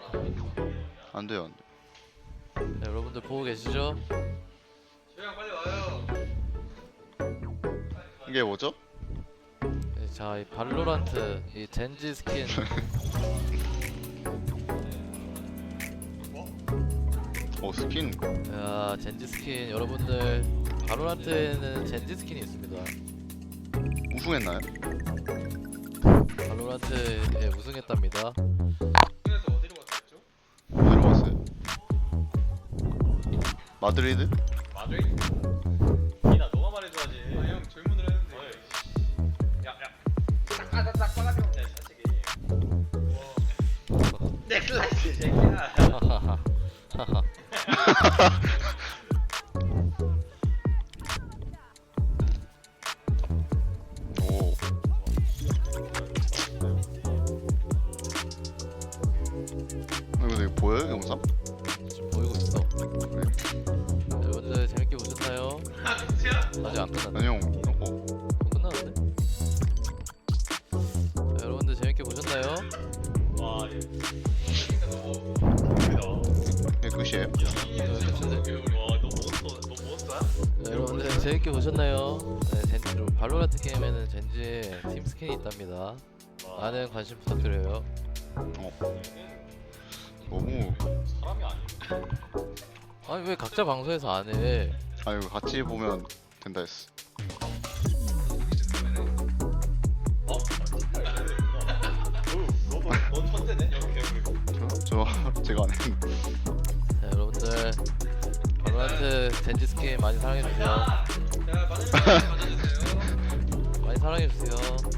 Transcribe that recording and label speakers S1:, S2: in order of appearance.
S1: 안 돼요, 안 돼.
S2: 네, 여러분들 보고 계시죠?
S3: 조용 빨리 와요.
S1: 이게 뭐죠?
S2: 네, 자, 이 발로란트 이 젠지 스킨
S1: 스킨.
S2: 야, 젠지 스킨 여러분들 발로란트에는 젠지 스킨이 있습니다.
S1: 우승했나요?
S2: 발로란트에 우승했답니다.
S3: 그래서 어디로 갔다 왔죠?
S1: 어디로 갔어요? 마드리드?
S4: 마드리드? 니나 너가 말해줘야지.
S3: 아 형 질문을 했는데.
S4: 야야. 딱딱 빨아들여. 네 사실이. 넥슬라이스 새끼야.
S1: 오. 이거 되게 보여요, 영상?
S2: 지금 보이고 있어. 여러분들 재밌게 보셨나요?
S3: 아 진짜?
S2: 아직 안 끝났네.
S1: 아니 형,
S2: 끝났는데? 자, 여러분들 재밌게 보셨나요?
S4: 와 얘.
S3: 진짜 너무.
S1: 이게 끝이에요?
S4: 와너 몬스터야?
S2: 네, 여러분들 재밌게 보셨나요? 네, 젠지로 발로란트 게임에는 젠지의 팀 스킨이 있답니다. 많은 관심 부탁드려요.
S1: 너무.
S4: 사람이 아니야.
S2: 아니 왜 각자 방송에서 안 해?
S1: 아 이거 같이 보면 된다 했어.
S4: 어? 넌 천재네. 여기 개구리고.
S1: 저 제가 안 했는데.
S2: 자, 여러분들 발로란트 젠지 스킨 많이 사랑해주세요.
S3: 자 많은 사랑 가져주세요.
S2: 많이 사랑해주세요.